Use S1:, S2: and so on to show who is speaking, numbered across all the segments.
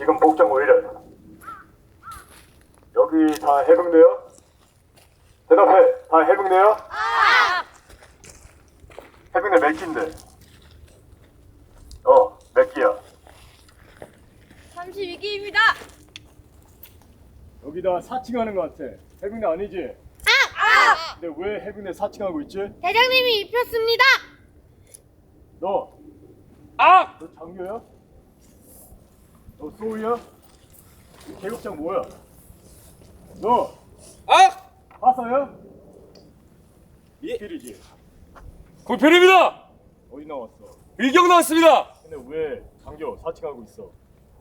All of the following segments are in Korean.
S1: 지금 복장 왜 이래? 여기 다 해병대야? 대답해. 다 해병대야? 해병대 몇 기인데? 몇 기야?
S2: 32기입니다.
S1: 여기다 사칭하는 것 같아. 해병대 아니지? 근데 왜 해병대 사칭하고 있지?
S2: 대장님이 입혔습니다.
S1: 너 장교야? 너 소우야? 계급장 뭐야? 너 하사야? 이필이지?
S3: 공편입니다.
S1: 어디 나왔어?
S3: 일경 나왔습니다.
S1: 근데 왜 장교 사칭하고 있어?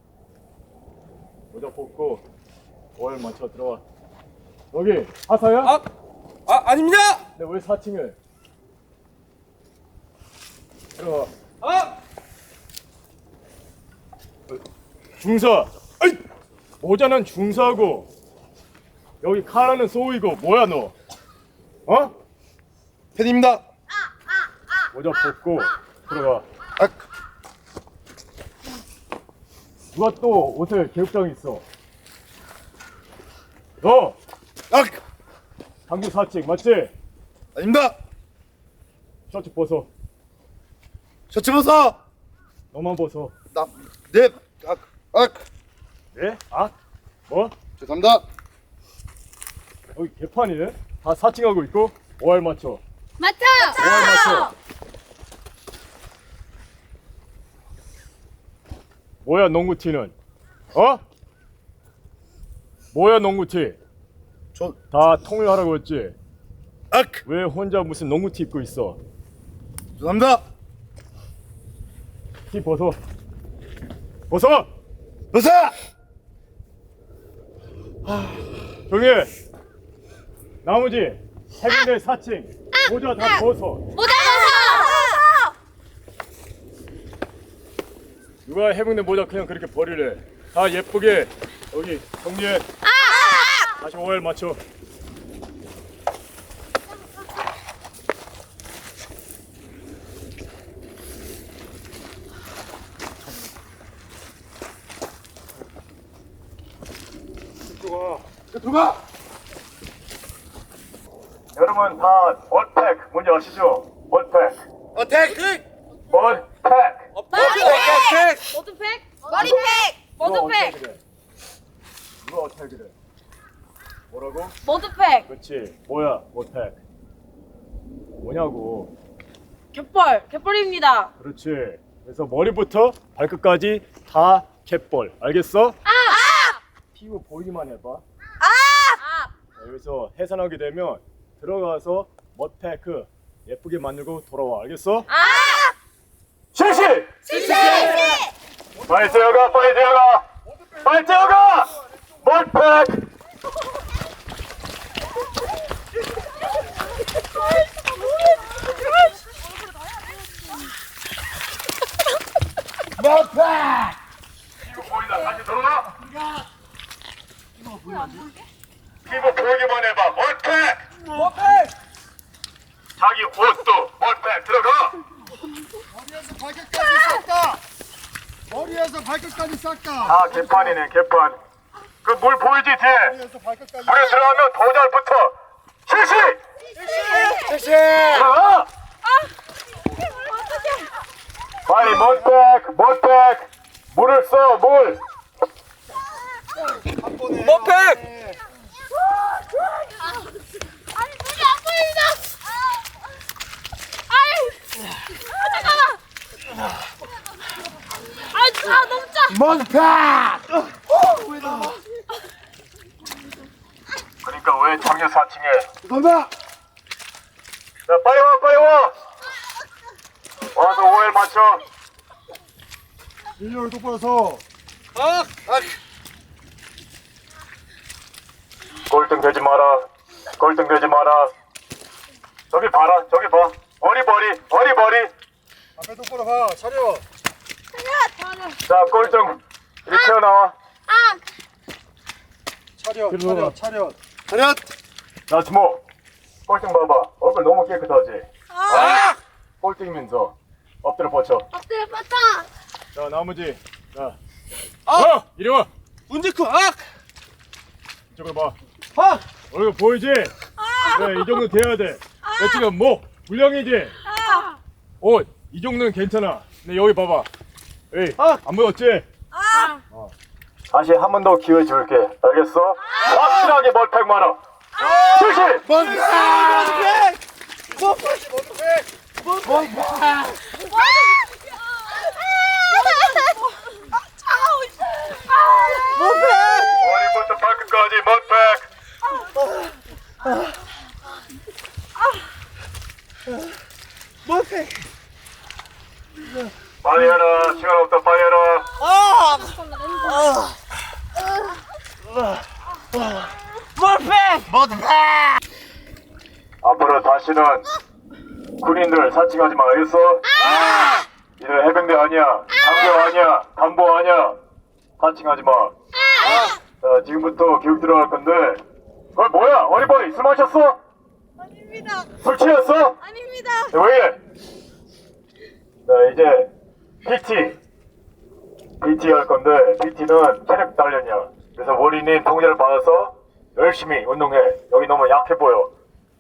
S1: 모자 벗고 월 맞춰 들어와. 여기 하사야?
S3: 아닙니다.
S1: 근데 왜 사칭을? 들어와. 중사. 아이! 모자는 중사고 여기 칼라는 소우이고 뭐야 너?
S3: 팬입니다.
S1: 모자 벗고 들어가. 누가 또 옷에 계급장 있어? 너 장교 사칭 맞지?
S3: 아닙니다.
S1: 셔츠 벗어.
S3: 셔츠 벗어.
S1: 너만 벗어.
S3: 네.
S1: 네? 뭐?
S3: 죄송합니다.
S1: 여기 개판이네? 다 사칭하고 있고 5알 맞춰.
S2: 맞춰.
S1: 5알 맞춰. 뭐야 농구티는? 뭐야 농구티? 다 통일하라고 했지? 왜 혼자 무슨 농구티 입고 있어?
S3: 죄송합니다.
S1: 티 벗어. 벗어!
S3: 벗어.
S1: 조용히 해. 나머지 해병대 사칭 모자 다 벗어.
S2: 모자 벗어.
S1: 누가 해병대 모자 그냥 그렇게 버리래. 다 예쁘게 여기 정리해. 다시 5알 맞춰.
S3: 들어가.
S1: 여러분 다 머리팩 뭔지 아시죠? 머리팩.
S3: 어택.
S1: 머리팩.
S2: 모두팩. 머리팩. 모두팩.
S1: 누가 어떻게 그래? 뭐라고?
S2: 모두팩.
S1: 그렇지. 뭐야 머리팩? 뭐냐고.
S2: 갯벌입니다.
S1: 그렇지. 그래서 머리부터 발끝까지 다 갯벌. 알겠어? 피부 보이기만 해봐. 자, 여기서 해산하게 되면 들어가서 머리팩 예쁘게 만들고 돌아와. 알겠어? 실시! 빨리 뛰어가, 빨리 뛰어가! 빨리 뛰어가! 머리팩! 피부 보인다. 다시 들어가. 피부 보이기만 해봐. 머리팩. 자기 옷도 머리팩 들어가.
S4: 머리에서 발끝까지 싹다.
S1: 아 개판이네 개판. 그 물 보이지 뒤에?
S4: 머리에서 발끝까지.
S1: 물에 들어가면 더 잘 붙어. 실시. 들어가. 빨리 머리팩. 물을 써 물.
S3: 머팩.
S2: 아니 물이 안 보인다. 잠깐만. 너무 짜.
S1: 그러니까 왜 장교 사칭해?
S3: 죄송합니다.
S1: 자 빨리 와. 와서 5일 맞춰.
S4: 일렬 똑바로 서.
S1: 꼴등 되지 마라. 저기 봐라. 저기 봐. 어리버리.
S4: 앞에 똑바로 가. 차려.
S1: 자 꼴등 이리 튀어나와.
S4: 차려.
S1: 자 주모. 꼴등 봐봐. 얼굴 너무 깨끗하지? 꼴등이면서 엎드려 뻗쳐.
S2: 엎드려 뻗쳐.
S1: 자 나머지 자 이리 와.
S3: 문제크 악!
S1: 이쪽으로 봐.
S3: 악!
S1: 이거 보이지? 네, 이 정도 돼야 돼. 내 지금 목 물량이지? 옷 이 정도는 괜찮아. 근데 여기 봐봐. 에이, 안 보였지? 다시 한 번 더 기회 줄게. 알겠어? 확실하게 멀팩 많아. 실시! 머리부터 발끝까지 멀팩. 빨리 해라. 시간 없다. 빨리 해라. 앞으로 다시는 군인들 사칭하지 마. 알겠어? 니네 해병대 아니야. 장교 아니야. 간부 아니야. 사칭하지 마. 자, 지금부터 교육 들어갈 건데. 뭐야? 어리버리 술 마셨어?
S2: 아닙니다.
S1: 술 취했어?
S2: 아닙니다.
S1: 왜 이래? 자, 이제 PT 할 건데 PT는 체력 단련이야. 그래서 원인님 통제를 받아서 열심히 운동해. 여기 너무 약해 보여.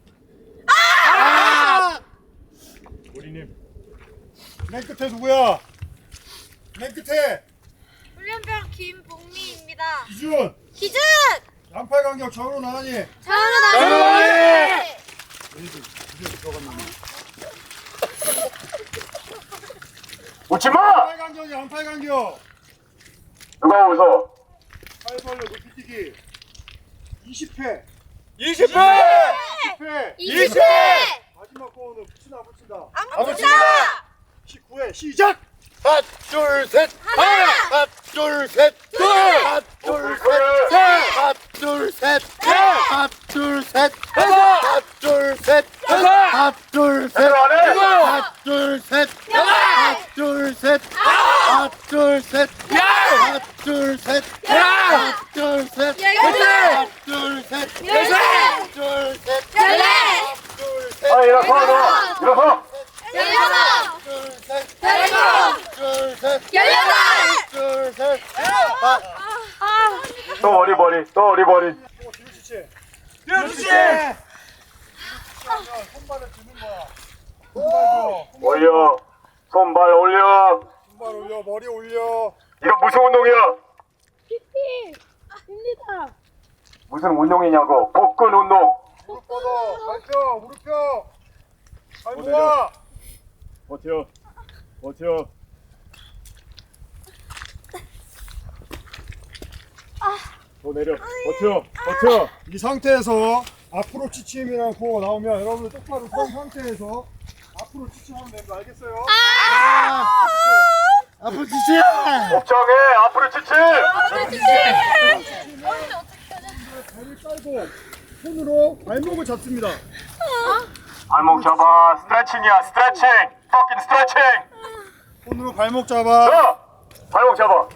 S1: 원인님.
S4: 맨 끝에 누구야? 맨 끝에
S2: 훈련병 김복미입니다.
S4: 기준.
S2: 기준!
S4: 양팔 간격 전으로 나가니.
S2: 전우 나가니!
S1: 웃지 마!
S4: 양팔 간격이 양팔 간격.
S1: 누가 웃어?
S4: 팔 벌려 높이 뛰기. 20회.
S3: 20회!
S4: 10회.
S2: 20회!
S4: 마지막 거는 붙이나 붙인다.
S2: 안 붙인다!
S4: 19회 시작.
S3: 하나, 둘, 셋! 하나, 둘, 셋! 하나, 둘, 셋! 하나, 둘, 셋! 하나, 둘, 셋! 하나, 둘, 셋! 하나, 둘, 셋! 하나, 둘, 셋! 하나, 둘, 셋! 하나, 둘, 셋! 하나, 둘, 셋! 하나, 둘, 셋! 하나, 둘, 셋! 하나, 둘, 셋! 하나, 둘, 셋!
S1: 아, 일어서, 너! 일어서!
S2: 열여섯!
S3: 둘, 셋!
S2: 열일곱!
S3: 둘, 셋!
S2: 열여덟!
S3: 둘, 셋!
S1: 또 어리버리, 또 어리버리.
S4: 뒤로 지체.
S3: 그렇지!
S4: 하면 손발을 드는 거야. 손발 줘.
S1: 올려. 손발 올려.
S4: 손발 올려. 머리 올려.
S1: 이거 무슨 운동이야?
S2: 입니다.
S1: 무슨 운동이냐고. 복근 운동.
S4: 무릎 뻗어. 발 펴. 무릎 펴. 발 모아.
S1: 버텨. 버텨. 더 내려. 버텨. 버텨.
S4: 이 상태에서 앞으로 지침이라는 구호가 나오면 여러분들 똑바로 선 상태에서 앞으로 지침하면 되는 거 알겠어요?
S3: 앞으로 지치야!
S1: 걱정해. 앞으로 지치.
S4: 배를 깔고 손으로 발목을 잡습니다.
S1: 발목 잡아. 스트레칭이야. 스트레칭. fucking 스트레칭.
S4: 손으로 발목 잡아.
S1: 자, 발목 잡아.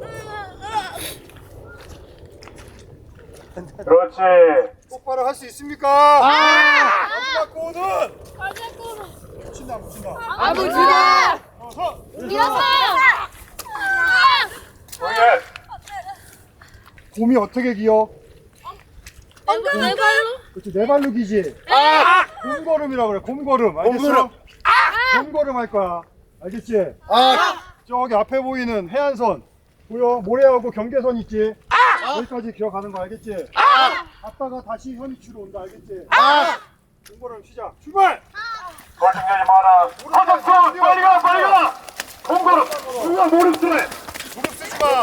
S1: 그렇지.
S4: 똑바로 할 수 있습니까? 마지막 구호는 붙인다 안 붙인다.
S2: 안 붙인다!
S4: 서.
S2: 일어서요!
S1: 오예.
S4: 곰이 어떻게 기어?
S2: 내 발로?
S4: 그렇지 네 발로 기지. 곰걸음이라고 그래. 곰걸음. 알겠어?
S3: 곰걸음.
S4: 곰걸음 할 거야. 알겠지? 저기 앞에 보이는 해안선 보여? 모래하고 경계선 있지? 여기까지 기어가는 거 알겠지? 갔다가 다시 현위치로 온다 알겠지? 곰걸음 시작. 출발!
S1: 걱정하지 마라. 허덕선 빨리 가 빨리 가. 공걸음. 중간 무릎 쓰래.
S4: 무릎 쓰지 마.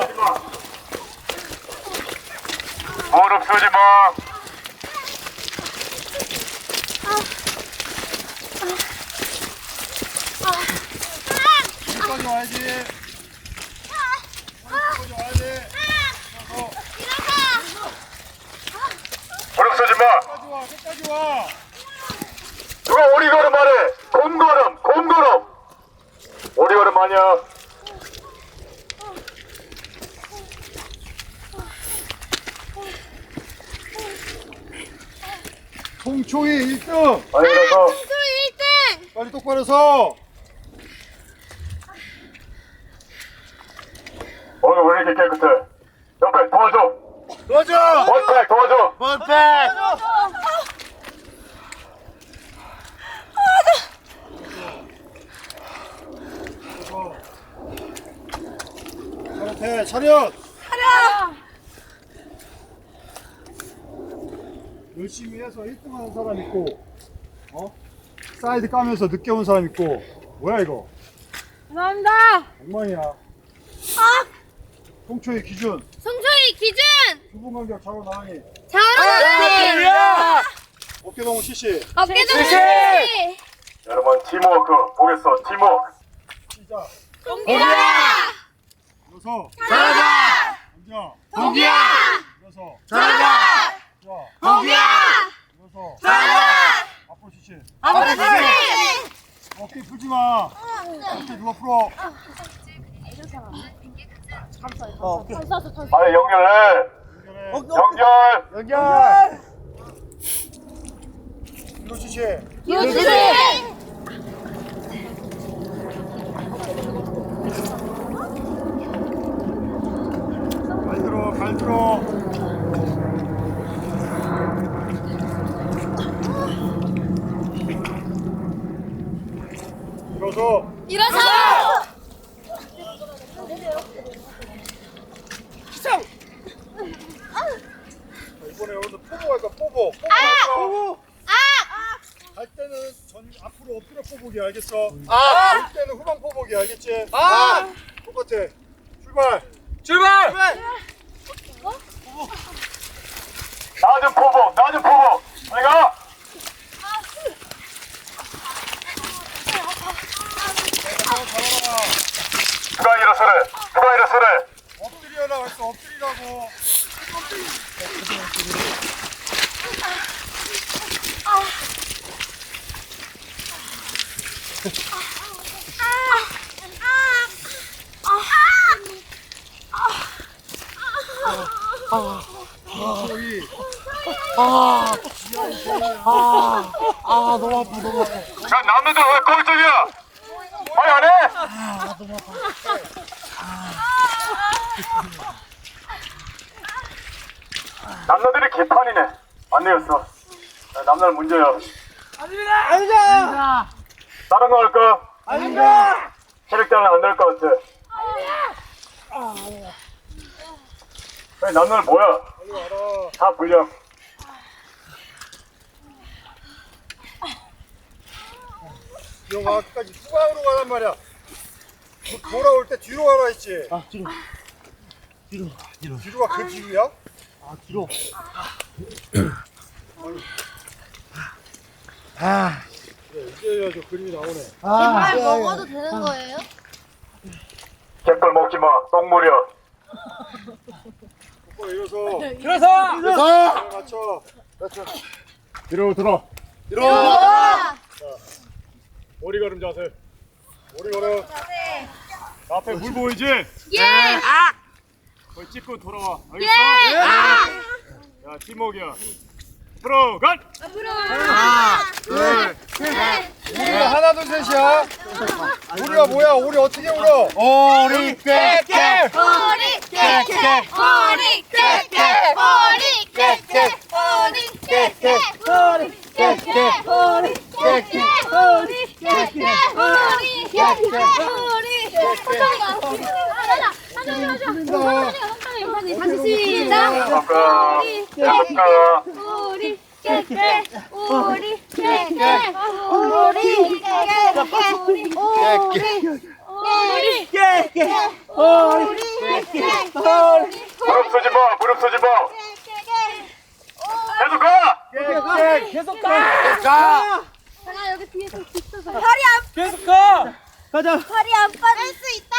S1: 무릎 쓰지 마.
S4: 여기까지 와야지. 여기까지 와야지.
S1: 무릎 쓰지 마.
S4: 끝까지 와. 끝까지 와.
S1: 누가 오리걸음 말해. 곰걸음. 곰걸음. 오리걸음 아니야.
S4: 송초희 1등.
S1: 빨리 일어서.
S2: 소희 1등!
S4: 빨리 똑바로 서.
S1: 오늘 왜 이렇게 깨끗해? 옆에 도와줘.
S3: 도와줘!
S1: 원팩 도와줘.
S3: 원팩!
S4: 차렷해, 차렷! 열심히 해서 1등 하는 사람 있고, 사이드 까면서 늦게 온 사람 있고, 뭐야 이거?
S2: 감사합니다.
S4: 엉망이야. 송초의 기준,
S2: 송초희 기준.
S4: 2분 간격 좌우 나란히,
S2: 잘하네.
S4: 어깨동무 CC,
S2: 어깨동 씨.
S1: 여러분 팀워크 보겠어. 팀워크.
S4: 시작.
S2: 동기야.
S4: 일어서,
S3: 잘하자!
S4: 앉아,
S3: 동기야!
S4: 일어서,
S3: 잘하자!
S4: 좋아,
S3: 동기야!
S4: 일어서,
S3: 잘하자!
S4: 앞으로 CC,
S3: 앞으로 주세요!
S4: 어깨 풀지 마, 어깨 누가 풀어,
S1: 빨리 연결해.
S4: 연결해,
S1: 연결.
S3: 연결!
S4: 이거 CC,
S2: 기호주세.
S4: 발 들어, 일어서,
S2: 일어서.
S4: 이번에 오늘 포보 할까, 포보. 포보. 갈 때는 앞으로 엎드려 포보기 알겠어? 갈 때는 후방 포보기 알겠지? 똑같아. 출발.
S1: 낮은 포복. 낮은 포복. 내가. 누가 일어서래. 누가 일어서래.
S4: 엎드려라 했어. 엎드리라고.
S3: 너무 아파, 너무 아파.
S1: 야 남자들 왜 거기 저기야. 빨리 안 해. 남자들이 개판이네. 안 내렸어. 남자는 문제야.
S3: 아니다!
S1: 다른 거 할까?
S3: 아니다!
S1: 체력자는 안 될 것 같아. 아니, 남자는 뭐야?
S4: 빨리 와라.
S1: 다 불려.
S4: 기영아 끝까지 후방으로 가란 말이야. 돌아올 때 뒤로 가라 했지.
S3: 뒤로.
S4: 뒤로가 그 뒤로야?
S3: 뒤로.
S4: 이제야 저 그림이 나오네.
S2: 먹어도 되는 거예요?
S1: 개뿔 먹지 마. 똥물이야.
S4: 오빠 일어서.
S3: 일어서!
S4: 맞춰.
S1: 뒤로 들어.
S4: 머리 걸음 자세. 머리 걸음. 앞에 물 보이지?
S2: 예.
S4: 거기 찍고 돌아와. 알겠어? 야 팀워크야. 앞으로 간. 우리가 하나 둘 셋이야. 우리가 뭐야? 우리 어떻게 울어?
S3: 오리 깨깨!
S2: 머리 깨깨. 머리 깨깨. 머리 깨깨. 머리 깨깨. 머리 깨깨. 머리 깨깨. 머리 깨깨. 머리 깨깨. 머리 깨깨. 다시 시작.
S1: 아까.
S2: 우리
S1: 아까.
S2: 우리 깨깨. 우리 깨깨. 우리 깨깨. 우리 깨깨.
S1: 무릎 쓰지 마. 무릎 쓰지 마. 계속 가.
S3: 계속 가!
S2: 제가 여기 뒤에서 있어서
S5: 팔이 안 빠질 수 있다.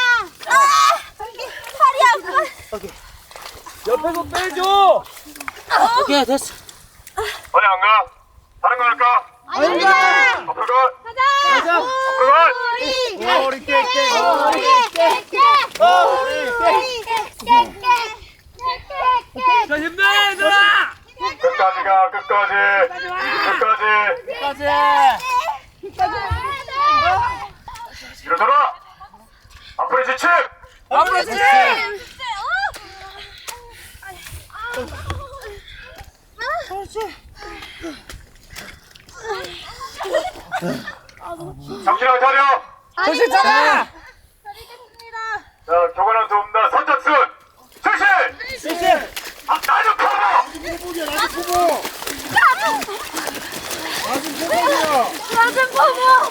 S5: 팔이 안 빠져.
S3: 옆에서 빼줘! 오케이, 됐어.
S1: 어디 안 가? 다른 거 할까?
S5: 아닙니다.
S1: 앞으로 가.
S5: 가자.
S1: 앞으로 가.
S5: 우리 깨깨. 우리 깨깨. 우리 깨깨.
S3: 자, 힘내, 얘들아!
S1: 끝까지 가. 끝까지. 끝까지. 일어서라. 앞으로 지침.
S3: 앞으로 지!
S1: 정신을 차려.
S2: 정신 차려.
S1: 자, 교관한테 옵니다. 선착순 실시. 나좀 커버.
S4: 포복이야 나지 포복. 나지 포복이야.
S2: 맞은 포모.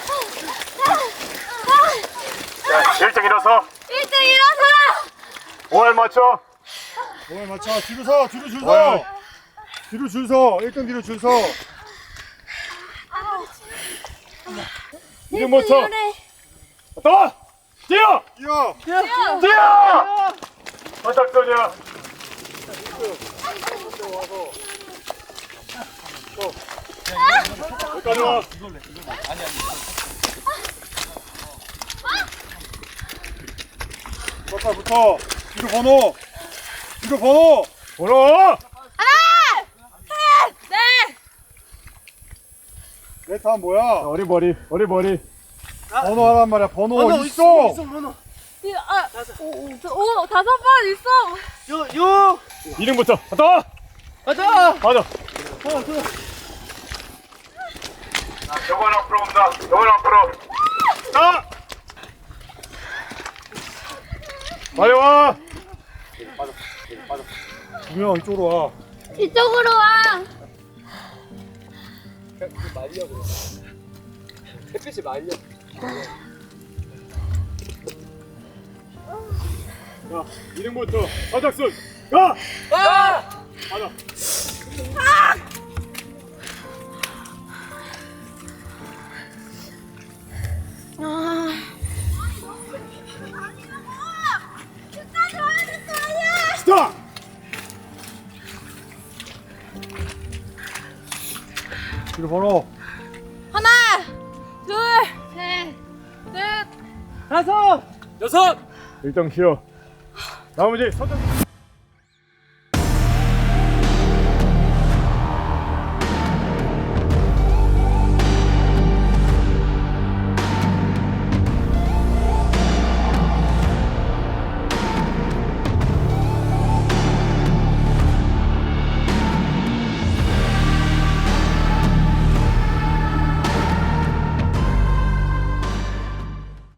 S1: 자, 1등 일어서.
S2: 1등 일어서.
S1: 5월 맞춰.
S4: 오늘 맞춰 뒤로 서 뒤로 줄 서.
S1: 네.
S4: 뒤로 줄 서. 1등 뒤로 줄 서.
S1: 이름 못 쳐. 또 뛰어.
S4: 뛰어.
S1: 뛰어. 선착순이야. 여기까지 와.
S4: 붙어. 뒤로 번호. 뒤로 번호.
S1: 번호.
S4: 내 다음 뭐야?
S1: 어리버리.
S4: 번호 하란 말이야. 번호 있어.
S2: 오, 5번 있어.
S1: 이름부터. 또.
S3: 가자.
S1: 맞아. 교관 앞으로 온다. 교관 앞으로. 자. 빨리 와.
S4: 분명 이쪽으로 와.
S2: 이쪽으로 와.
S3: 햇빛이 말려.
S1: 자, 이름부터 선착순. 가. 맞아. 스탑.
S4: 뒤로 번호.
S2: 하나, 둘, 셋, 넷.
S3: 여섯.
S1: 1등 쉬어. 나머지 선착순.